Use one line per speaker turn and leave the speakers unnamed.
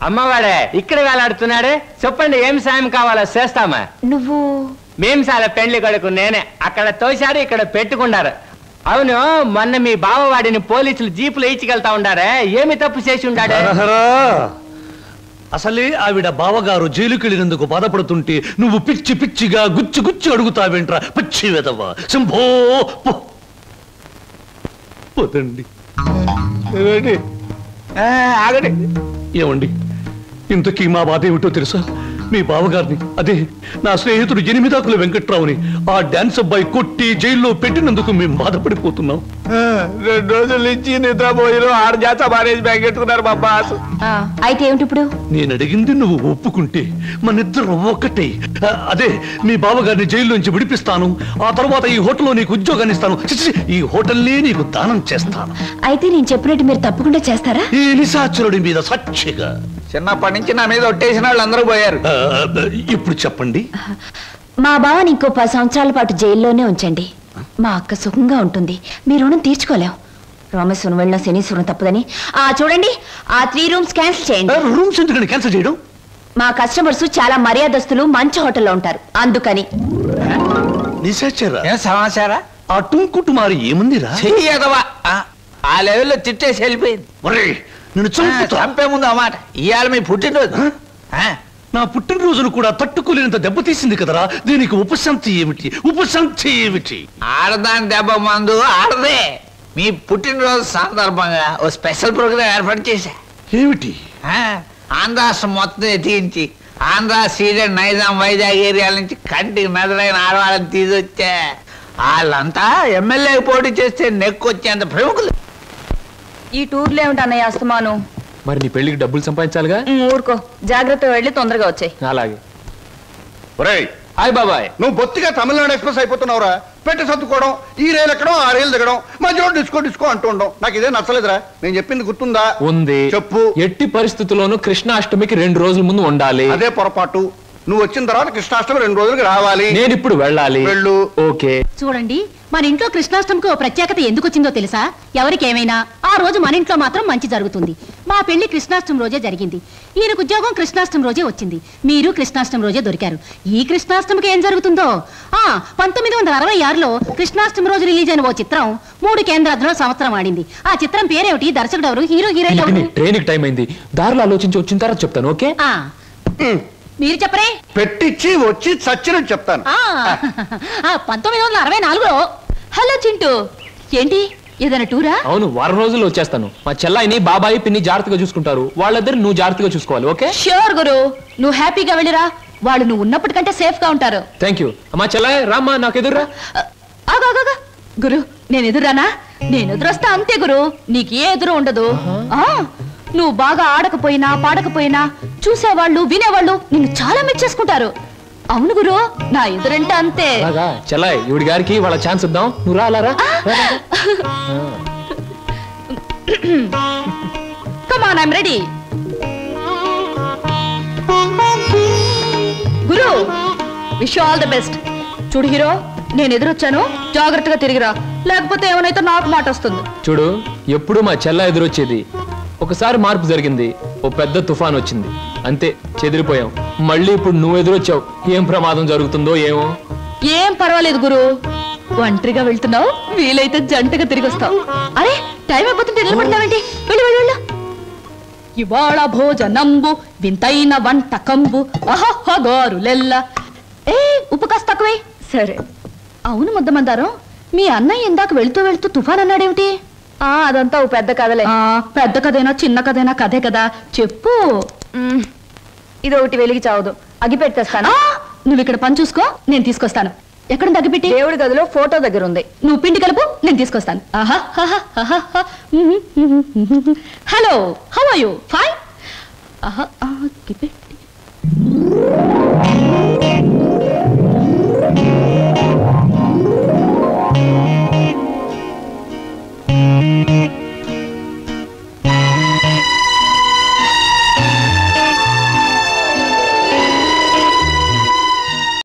అమ్మవాడే ఇక్కడ వేలాడుతున్నాడే. చెప్పండి ఏం సాయం కావాలో చేస్తామా.
నువ్వు
మేము చాలా పెండ్లి కొడుకు నేనే. అక్కడ తోశారు, ఇక్కడ పెట్టుకున్నారు. అవును, మొన్న మీ బావవాడిని పోలీసులు జీపులు ఇచ్చికెళ్తా ఉండారే, ఏమి తప్పు చేసి ఉండాడే?
అసలే ఆవిడ బావగారు జైలుకెళ్ళినందుకు బాధపడుతుంటే నువ్వు పిచ్చి పిచ్చిగా గుచ్చి గుచ్చి అడుగుతావేంట్రా పిచ్చి వెదవా. శంభో పోతండి. ఏమండి, ఇంతకీ మా బాధ ఏమిటో తెలుసా? మీ బావగారిని, అదే నా స్నేహితుడు 8 ఆకుల వెంకట్రావుని ఆ డాన్స్ అబ్బాయి కొట్టి జైల్లో పెట్టినందుకు మేము బాధపడిపోతున్నాం.
2 రోజుల నుంచి నిద్రపోయిన 6 జాత మారేజ్ బ్యాగ్ ఎట్టుకున్నారు మా బాస్.
అయితే ఏమిటి ఇప్పుడు?
నేను అడిగింది నువ్వు ఒప్పుకుంటే మనిద్దరం ఒక్కటే. అదే మీ బావగారిని జైల్లోంచి విడిపిస్తాను. ఆ తర్వాత ఈ హోటల్లో నీకు ఉద్యోగాన్ని ఇస్తాను. ఈ హోటల్నే నీకు దానం చేస్తాను.
అయితే నేను చెప్పినట్టు మీరు తప్పకుండా చేస్తారా?
ఈ నిశాచరుడి మీద సాక్షిగా.
చిన్నప్పటి నుంచి నా మీద ఒట్టేసిన వాళ్ళు అందరూ పోయారు.
ఇప్పుడు చెప్పండి.
మా బావని ఇంకో 10 సంవత్సరాల పాటు జైల్లోనే ఉంచండి. మా అక్క సుఖంగా ఉంటుంది. మీ రుణం తీర్చుకోలేం. రామేశ్వరం వెళ్ళిన శనీశ్వరం తప్పదని. చూడండి, ఆ 3 రూమ్స్ క్యాన్సిల్ చేయండి.
రూమ్స్ ఎందుకని క్యాన్సిల్ చేయడం?
మా కస్టమర్స్ చాలా మర్యాదస్తులు, మంచి హోటల్లో ఉంటారు, అందుకని.
సమాచారా?
ఆ టుంకుటుమారి ఏముందిరా?
ఆ లెవెల్లో తిట్టేసి వెళ్ళిపోయింది.
నేను
చంపే ముందు అన్నమాట. ఇవాళ మీ పుట్టినరోజు.
నా పుట్టినరోజును కూడా తట్టుకోలేనంత దెబ్బతీసింది కదరా. దీనికి ఉపశాంతి ఏమిటి? ఉపశాంతి ఏమిటి?
ఆడదాని దెబ్బ మందు ఆడదే. మీ పుట్టినరోజు సందర్భంగా ఓ స్పెషల్ ప్రోగ్రాం ఏర్పాటు చేశా.
ఏమిటి?
ఆంధ్రాష్ట్రం మొత్తం ఎత్తించి ఆంధ్ర, సీడెడ్, నైజాం, వైజాగ్ ఏరియాల నుంచి కంటికి మెదడైన ఆడవాళ్ళని తీసుకొచ్చా. వాళ్ళంతా ఎమ్మెల్యే పోటీ చేస్తే నెక్కొచ్చేంత ప్రముఖులు.
ఈ టూర్లో ఏమిటి అన్నయ్య అస్తమాను?
మరి నీ పెళ్లికి డబ్బులు సంపాదించాలిగా.
ఊరుకో, జాగ్రత్తగా వెళ్ళి తొందరగా వచ్చాయి.
అలాగే.
హాయ్ బాబాయ్,
నువ్వు బొత్తిగా తమిళనాడు ఎక్స్ప్రెస్ అయిపోతున్నావురా. పెట్టి సర్దుకోవడం, ఈ రైలు ఎక్కడం, ఆ రైలు దిగడం, మధ్యలో డిస్కో డిస్కో అంటూ ఉండడం నాకు ఇదే నచ్చలేదురా. నేను చెప్పింది గుర్తుందా?
ఉంది.
చెప్పు.
ఎట్టి పరిస్థితుల్లోనూ కృష్ణాష్టమికి 2 రోజుల ముందు ఉండాలి.
అదే పొరపాటు. నువ్వు వచ్చిన తర్వాత కృష్ణాష్టమి 2 రోజులకి రావాలి.
నేను ఇప్పుడు వెళ్ళాలి.
వెళ్ళు.
ఓకే.
చూడండి, మన ఇంట్లో కృష్ణాష్టమికి ఓ ప్రత్యేకత ఎందుకు వచ్చిందో తెలుసా? ఎవరికేమైనా ఆ రోజు మన ఇంట్లో మాత్రం మంచి జరుగుతుంది. మా పెళ్లి కృష్ణాష్టమి రోజే జరిగింది. ఈయనకు ఉద్యోగం కృష్ణాష్టమి రోజే వచ్చింది. మీరు కృష్ణాష్టమి రోజే దొరికారు. ఈ కృష్ణాష్టమికి ఏం జరుగుతుందో? 1966లో కృష్ణాష్టమి రోజు రిలీజ్ అయిన ఓ చిత్రం 3 కేంద్రాల్లో సంవత్సరం ఆడింది. ఆ చిత్రం పేరేమిటి? దర్శకుడు ఎవరు? హీరో హీరోయిన్ ఎవరు?
ట్రైన్ టైం అయింది. దారిలో ఆలోచించి వచ్చిన తర్వాత చెప్తాను. ఓకే?
మీరు చెప్పరే.
పెట్టించి వచ్చి చచ్చినట్టు చెప్తాను.
1964లో. హలో చింటూ, ఏంటి ఏదైనా టూరా?
అవును, వారం రోజుల్లో వచ్చేస్తాను. మా చెల్లాయిని, బాబాయి, పిన్ని జాగ్రత్తగా చూసుకుంటారు. వాళ్ళిద్దరు నువ్వు జాగ్రత్తగా చూసుకోవాలి. ఓకే?
ష్యూర్ గురు, నువ్వు హ్యాపీగా వెళ్ళిరా. వాళ్ళు నువ్వు ఉన్నప్పటికంటే సేఫ్ గా ఉంటారు.
Thank you. మా చెల్లాయి రామ్మా, నాకు ఎదురురా.
గురు, నేను ఎదురానా? నేను ఎదురొస్తా అంతే గురు, నీకు ఏ ఎదురు ఉండదు. నువ్వు బాగా ఆడకపోయినా పాడకపోయినా చూసేవాళ్ళు, వినేవాళ్ళు నిన్ను చాలా మెచ్చేసుకుంటారు. అవును గురు, నా ఎదురంటే అంతే.
చెల్లాయి, ఇవిడి గారికి వాళ్ళ ఛాన్స్ ఇద్దాం. నువ్వు రాలారా?
Come on, I'm ready. గురు, wish you all the best. చూడు హీరో, నేను ఎదురొచ్చాను, జాగ్రత్తగా తిరిగిరా, లేకపోతే ఏమైనా నాకు మాట వస్తుంది.
చూడు, ఎప్పుడు మా చెల్ల ఎదురొచ్చేది. ఒకసారి మార్పు జరిగింది, ఓ పెద్ద తుఫాన్ వచ్చింది, అంతే చెదిరిపోయాం. మళ్ళీ ఇప్పుడు నువ్వు ఎదురొచ్చావు. ఏం ప్రమాదం జరుగుతుందో ఏమో.
ఏం పర్వాలేదు గురు, ఒంటరిగా వెళ్తున్నావు, వీలైతే జంటగా తిరిగి వస్తావు. అరే, టైం అయిపోతుంటే నిలబడతావేంటి? వెళ్ళు వెళ్ళు వెళ్ళు. ఇవాళ భోజనంబు వింతైన వంటకంబు అహగారులెల్ల. ఉప్పు కాస్త తక్కువే. సరే. అవును ముద్దమందారం, మీ అన్నయ్య ఇందాక వెళుతూ వెళుతూ తుఫాన్ అన్నాడేమిటి? అదంతా ఓ పెద్ద కథలే. పెద్ద కథైనా చిన్న కథైనా కథే కదా, చెప్పు. ఇది ఒకటి వెలిగి చావదు, అగిపెట్టి తెస్తాను. నువ్వు ఇక్కడ పని చూసుకో, నేను తీసుకొస్తాను. ఎక్కడ అగిపెట్టి? దేవుడి గదిలో ఫోటో దగ్గర ఉంది. నువ్వు పిండి కలుపు, నేను తీసుకొస్తాను. Hello, how are you? Fine. అగిపెట్టి